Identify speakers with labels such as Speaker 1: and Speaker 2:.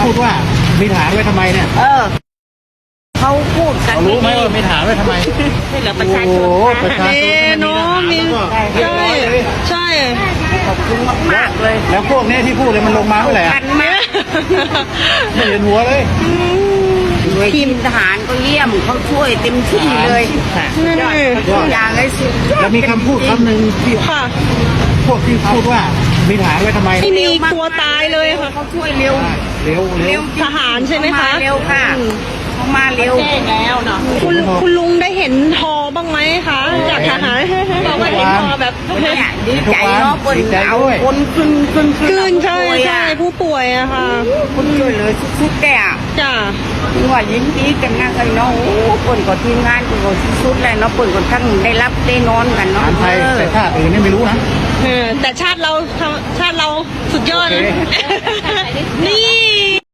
Speaker 1: พูดว่ามีฐานไว้ทำไมเนี่ย
Speaker 2: เขาพูดกัน
Speaker 1: รู้ไหมว่ามีฐานไว้ทำไม
Speaker 2: ให้เหลือประชาชน
Speaker 1: ประชาชน
Speaker 3: เนาะมีใช่ใช่
Speaker 2: ขอบคุณมากๆเลย
Speaker 1: แล้วพวกนี้ที่พูดเลยมันลงมาเมื่อไหร่
Speaker 2: กันมาก
Speaker 1: ไม่เห็นหัวเลย
Speaker 2: ทีมทหารก็เยี่ยมเขาช่วยเต็มที่เลยยอดทุกอย่างเลยสุดยอด
Speaker 1: แล้วมีคำพูดคำหนึ่งที่
Speaker 3: ค่ะ
Speaker 1: พวกที่พูดว่ามีฐานไว้ทำไม
Speaker 3: ไม่มีกลัวตายเลยค่ะ
Speaker 2: เขาช่วยเร็ว
Speaker 1: เร็ว
Speaker 2: เร็ว
Speaker 3: ทหารใช่ไหมคะ
Speaker 2: เร็วค่ะเขามาเร็วแล้วเนาะ
Speaker 3: คุณลุงได้เห็นทอบ้างไหมคะจากทหารบอกว่าเห็นทอแบบ
Speaker 2: เนี่ยดีใจเนาะคนเอาคนขึ้น
Speaker 3: กลืนใช่ใช่ผู้ป่วยอะค่ะ
Speaker 2: คนช่วยเลยสุดๆแกอ่ะ
Speaker 3: จ้ะ
Speaker 2: ว่ายินดีกันนะกันเนาะโอ้คนก็ทีมงานก็สุดๆเลยเนาะคนก็ทั้งได้รับได้นอนกัน
Speaker 1: ฐา
Speaker 2: เนาะ
Speaker 1: นไทยแต่ชาติอื่นนี่ไม่รู้นะ
Speaker 3: แต่ชาติเราสุดยอดนะนี่